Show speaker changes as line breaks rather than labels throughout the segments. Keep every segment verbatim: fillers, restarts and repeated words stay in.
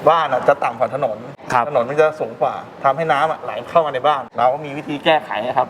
บ้านจะต่ำกว่าถนนถนนมันจะสูงกว่าทำให้น้ำไหลเข้ามาในบ้านเราก็มีวิธีแก้ไขครับ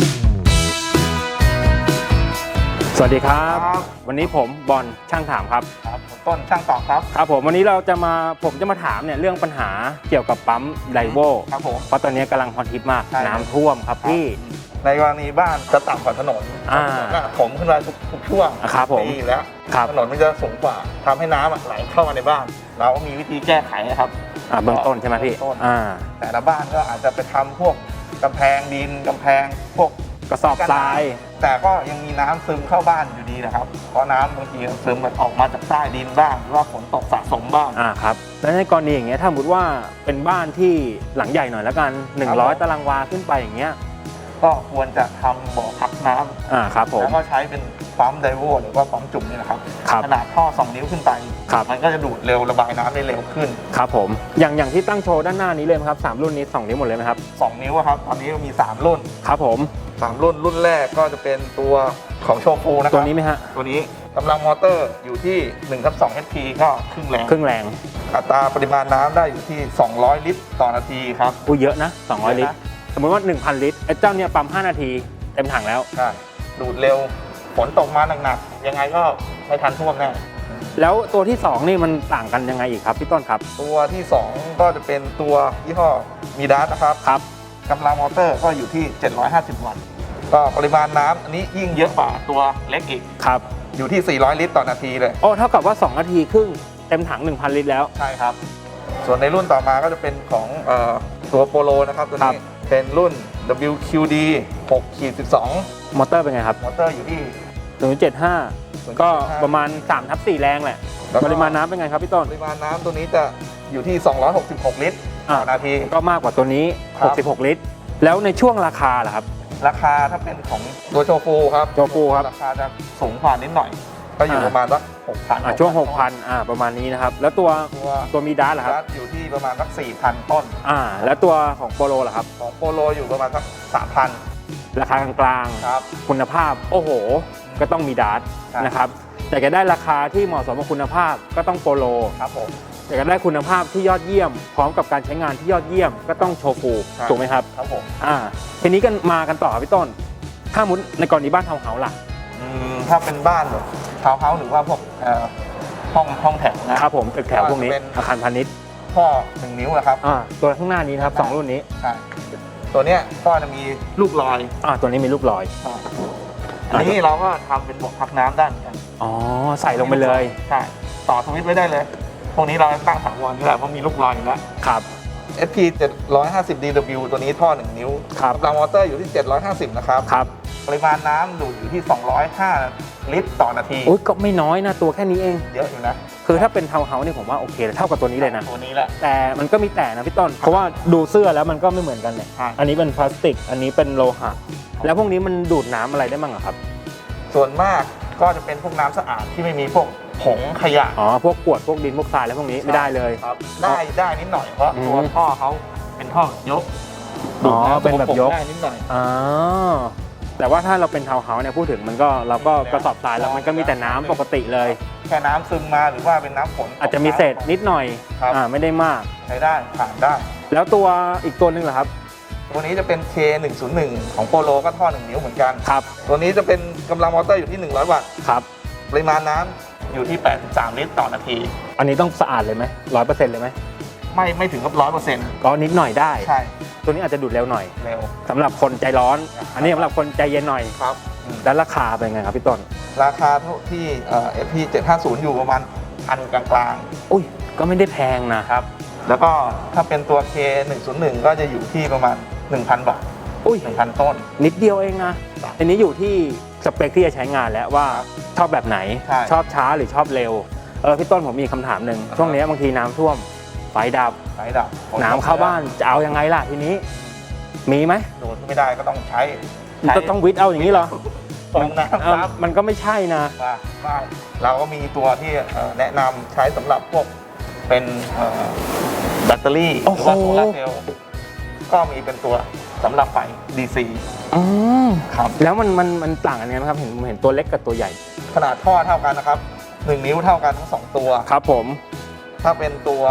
สวัสดีครับวันนี้ผมบอลช่างถามครับ
ครับผมต้นช่างตอบครับ
ครับผมวันนี้เราจะมาผมจะมาถามเนี่ยเรื่องปัญหาเกี่ยวกับปั๊มไดโว
ครับผม
เพราะตอนนี้กำลังฮอตฮิตมากน้ำท่วมครับพี่
ในกรณีบ้านจะต่ำกว่าถนนผมขึ้นมาทุกช่วงปีแล้วถนนมันจะสูงกว่าทำให้น้ำไหลเข้ามาในบ้านเราก็มีวิธีแก้ไขครับ
เบื้องต้นใช่ไหมพี่
แต่ละบ้านก็อาจจะไปทำพวกกำแพงดินกำแพงพวก
กระสอบทราย
แต่ก็ยังมีน้ำซึมเข้าบ้านอยู่ดีนะครับเพราะน้ำบางทีซึมมันออกมาจากใต้ดินบ้างหรือว่าฝนตกสะสมบ้าง
อ่าครับแล้วในกรณีอย่างเงี้ยถ้าสมมติว่าเป็นบ้านที่หลังใหญ่หน่อยแล้วกันหนึ่งร้อยตารางวาขึ้นไปอย่างเงี้ย
ก็ควรจะทำบ่อพักน้ำ
อ่าครับผม
แล้วก็ใช้เป็นปั๊มไดโวหรือว่าปั๊มจุ่มนี่แหละครับขนาดท่อสองนิ้วขึ้นไปมันก็จะดูดเร็วระบายน้ำได้เร็วขึ้น
ครับผมอย่างอย่างที่ตั้งโชว์ด้านหน้านี้เลยครับสามรุ่นนี้สองนิ้วหมดเลยไหมครับ
สองนิ้วครับตอนนี้มีสามรุ่น
ครับผม
สามรุ่นรุ่นแรกก็จะเป็นตัวของโชฟูนะครับ
ตัวนี้ไหมฮะ
ตัวนี้กำลังมอเตอร์อยู่ที่หนึ่งทับสอง เอช พี ก็ครึ่งแรง
ครึ่งแรง
อัตราปริมาณน้ำได้อยู่ที่สองร้อยลิตรต่อนาทีครับ
อู้เยอะนะสองร้อยลิตรสมมติว่า หนึ่งพัน ลิตรไอ้เจ้าเนี่ยปั๊มห้านาทีเต็มถังแล้ว
ใช่ดูดเร็วฝนตกมาหนักๆยังไงก็ไม่ทันท่วมแน่
แล้วตัวที่สองนี่มันต่างกันยังไงอีกครับพี่ต้นครับ
ตัวที่สองก็จะเป็นตัวยี่ห้อมีดัสนะครับ
ครับ
กำลังมอเตอร์ก็อยู่ที่เจ็ดร้อยห้าสิบวัตต์ก็ปริมาณน้ำอันนี้ยิ่งเยอะกว่าตัวเล็กอีก
ครับ
อยู่ที่สี่ร้อยลิตรต่อนาทีเลย
โอ้เท่ากับว่าสองนาทีครึ่งเต็มถัง หนึ่งพัน ลิตรแล้ว
ใช่ครับส่วนในรุ่นต่อมาก็จะเป็นของเอ่อตัวโปโลนะครับตัวนี้เป็นรุ่น ดับเบิลยู คิว ดี หก สิบสอง
มอเตอร์เป็นไงครับ
มอเตอร์อยู่ที่
หนึ่งจุดเจ็ดห้า ก็ประมาณ สามทับสี่ แรงแหละปริมาณน้ำเป็นไงครับพี่ต้น
ปริมาณน้ำตัวนี้จะอยู่ที่สองร้อยหกสิบหกลิตรต่อนาที
ก็มากกว่าตัวนี้หกสิบหกลิตรแล้วในช่วงราคาล่ะครับ
ราคาถ้าเป็นของตัวโชฟูครับ
โชฟูครับ
ราคาจะสูงกว่านิดหน่อยก็อยู่ประมาณสักหกพัน
ช่วง หกพัน อ่าประมาณนี้นะครับแล้วตัวตัวมีดัสล่ะครับ
อยู่ที่ประมาณสัก สี่พัน ต้น
อ่าแล้วตัวของโปโลล่ะครับ
ของโปโลอยู่ประมาณสัก สามพัน
ราคากลาง
ๆครับ
คุณภาพโอ้โหก็ต้องมีดัสนะครับแต่จะได้ราคาที่เหมาะสมกับคุณภาพก็ต้องโปโล
ครับผม
แต่จะได้คุณภาพที่ยอดเยี่ยมพร้อมกับการใช้งานที่ยอดเยี่ยมก็ต้องโชฟูถูกไหมครับ
ครับผม
อ่าทีนี้กันมากันต่อพี่ต้นถ้ามุดในกรณีบ้านทาวน์เฮาส์ล่ะ
ถ้าเป็นบ้านแบบทาวน์เฮาส์หรือว่าพวกห้องห้องแถว
นะครับผมตึกแถวพวกนี้อาคารพาณิชย์
ท่อหนึ่งนิ้วนะครับ
อ่าตัวข้างหน้านี้นะครับสองรุ่นนี้
ใช่ตัวเนี้ยก็จะมีลูกลอย
อ่าตัวนี้มีลูกลอย
อันนี้เราก็ทำเป็นบ่อพักน้ำได้เหมือนกัน
อ๋อใส่ลงไปเลย
ใช่ต่อสวิตช์ไว้ได้เลยพวกนี้เราตั้งถาวรนี่แหละเพราะมีลูกลอยอยู่แล้ว
ครับ
เอส พี เจ็ดร้อยห้าสิบ ดี ดับเบิลยู ตัวนี้ท่อหนึ่งนิ้วกำลังมอเตอร์อยู่ที่เจ็ดร้อยห้าสิบนะครับ
ครับ
ปริมาณน้ำดูดอยู่ที่สองร้อยห้าลิตรต่อนาที
โอ้ยก็ไม่น้อยนะตัวแค่นี้เอง
เยอะอยู่นะ
คือถ้าเป็นทาวน์เฮาส์นี่ผมว่าโอเคเท่ากับตัวนี้เลยนะ
ตัวนี้แหละ
แต่มันก็มีแต่นะพี่ต้นเพราะว่าดูเสื้อแล้วมันก็ไม่เหมือนกันเนี่ยอันนี้เป็นพลาสติกอันนี้เป็นโลหะแล้วพวกนี้มันดูดน้ำอะไรได้บ้างครับ
ส่วนมากก็จะเป็นพวกน้ำสะอาดที่ไม่มีพวกผงขยะ
อ๋อพวกกรวดพวกดินพวกทรายแล้วพวกนี้ไม่ได้เลย
ครับได้ได้นิดหน่อยเพราะตัวท่อเขาเป็นท่อยก
อ๋อเป็นแบบยก
ได้นิดหน่อย
อ๋อแต่ว่าถ้าเราเป็นทาวน์เฮาส์เนี่ยพูดถึงมันก็เราก็กระสอบทรายแล้วมันก็มีแต่น้ำปกติเลย
แค่น้ำซึมมาหรือว่าเป็นน้ำฝน
อาจจะมีเศษนิดหน่อยอ่าไม่ได้มาก
ใช้ได้ผ่านได้
แล้วตัวอีกตัวนึงเหรอครับ
ตัวนี้จะเป็น เค หนึ่งศูนย์หนึ่ง ของโปโลก็ท่อหนึ่งนิ้วเหมือนกัน
ครับ
ตัวนี้จะเป็นกำลังมอเตอร์อยู่ที่หนึ่งร้อยวัตต์
ครับ
ปริมาณน้ำอยู่ที่แปดสิบสามลิตรต่อนาที
อันนี้ต้องสะอาดเลยไหมร้อยเปอร์เซ็นต์เลยไหม
ไม่ไม่ถึงกับร้อยเปอร์เซ็นต์
ก็นิดหน่อยได้
ใช่
ตัวนี้อาจจะดูดเร็วหน่อย
เร็ว
สำหรับคนใจร้อนอันนี้สำหรับคนใจเย็นหน่อย
ครับ
แล้วราคาเป็นไงครับพี่ต้น
ราคาที่เอ่อ เอส พี เจ็ดห้าศูนย์อยู่ประมาณพันกลาง
ๆอุ้ยก็ไม่ได้แพงนะครับ
แล้วก็ถ้าเป็นตัว เค หนึ่งศูนย์หนึ่ง ก็จะอยู่ที่ประมาณ หนึ่งพัน บาท
อุ้ย
หนึ่งพัน ต้น
นิดเดียวเองนะอันนี้อยู่ที่สเปคที่จะใช้งานแล้วว่าชอบแบบไหนชอบช้าหรือชอบเร็วเออพี่ต้นผมมีคำถามหนึ่งช่วงนี้บางทีน้ำท่วมไฟดับ
ไฟดับ
น้ำเข้าบ้านจะเอายังไงล่ะทีนี้มีไหม
โดดไม่ได้ก็ต้องใช้
ก็ต้องวิทย์เอาอย่างนี้เหรอ
มัน
มันก็ไม่ใช่นะ
ไม่เราก็มีตัวที่แนะนำใช้สำหรับพวกเป็นแบตเตอรี่หรือว่าโซลาร์เซลล์ก็มีเป็นตัวสำหรับไฟ ดี ซี
อืม
ครับ
แล้วมันมันมันต่างกันไงครับเห็นเห็นตัวเล็กกับตัวใหญ่
ขนาดท่อเท่ากันนะครับหนึ่งนิ้วเท่ากันทั้งสองตัว
ครับผม
ถ้าเป็นตัว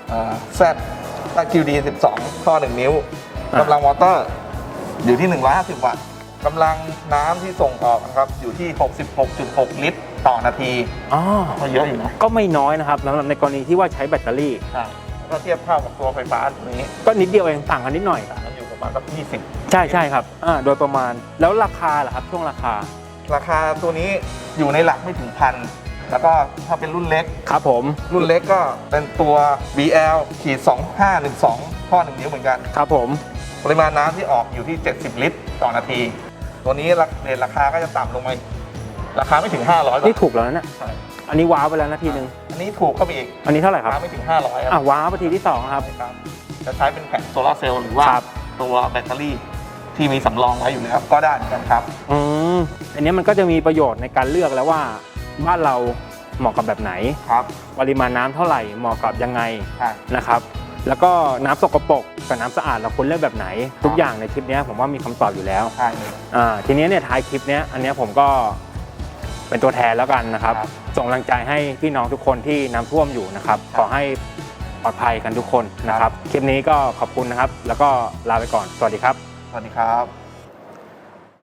แซดตัด คิว ดี สิบสอง ท่อหนึ่งนิ้วกำลังมอเตอร์อยู่ที่หนึ่งร้อยห้าสิบวัตต์กำลังน้ำที่ส่งออกนะครับอยู่ที่ หกสิบหกจุดหก ลิตรต่อนาที
อ๋อ
ก็เยอะอยู่นะ
ก็ไม่น้อยนะครับสำหรับในกรณีที่ว่าใช้แบตเตอรี่
ใช่ก็เทียบเท่ากับตัวไฟฟ้าตัวนี้
ก็นิดเดียวเองต่างกันนิดหน่อย
ต่างกันอยู่ประมาณสักยี่สิบ
ใช่ใช่ครับอ่าโดยประมาณแล้วราคาล่ะครับช่วงราคา
ราคาตัวนี้อยู่ในหลักไม่ถึงพันแล้วก็ถ้าเป็นรุ่นเล็ก
ครับผม
รุ่นเล็กก็เป็นตัว บี แอล สองห้าหนึ่งสอง ท่อหนึ่งนิ้วเหมือนกัน
ครับผม
ปริมาณน้ำที่ออกอยู่ที่ เจ็ดสิบ ลิตรต่อนาที ตัวนี้เรทราคาก็จะต่ำลงมาราคาไม่ถึง ห้าร้อย บาท
นี่ถูกแล้วนะเนี่ย
ใช่
อันนี้ว้าวไปแล้วนาทีหนึ่ง
อันนี้ถูกเข้าไปอีก
อันนี้เท่าไหร่ค
รา
รับ
คาไม่ถึง ห้าร้อย ค
อ่ะ
รับ
ว้าวไปทีที่สองครับ
ครับจะใช้เป็นแผงโซลาร์เซลล์หรือว่า
ครับ
ตัวแบตเตอรี่ที่มีสำรองไว้อยู่แล้วก็ได้เหมือนกันครับ
อืมอันนี้มันก็จะมีประโยชน์ในการเลือกแล้วว่าบ้านเราเหมาะกับแบบไหน
ครับ
ปริมาณน้ำเท่าไหร่เหมาะกับยังไง
ใช่
นะครับ แล้วก็น้ำสกปรกกับน้ำสะอาดเราควรเลือกแบบไหน ทุกอย่างในคลิปนี้ผมว่ามีคำตอบอยู่แล้ว
ใช่เลย
อ่าทีนี้เนี่ยท้ายคลิปเนี้ยอันเนี้ยผมก็เป็นตัวแทนแล้วกันนะครับ
ครับ
ส่งกำลังใจให้พี่น้องทุกคนที่น้ำท่วมอยู่นะครับ ขอให้ปลอดภัยกันทุกคนนะครับ คลิปนี้ก็ขอบคุณนะครับ แล้วก็ลาไปก่อน สวัสดีครับ
สวัสดีครับ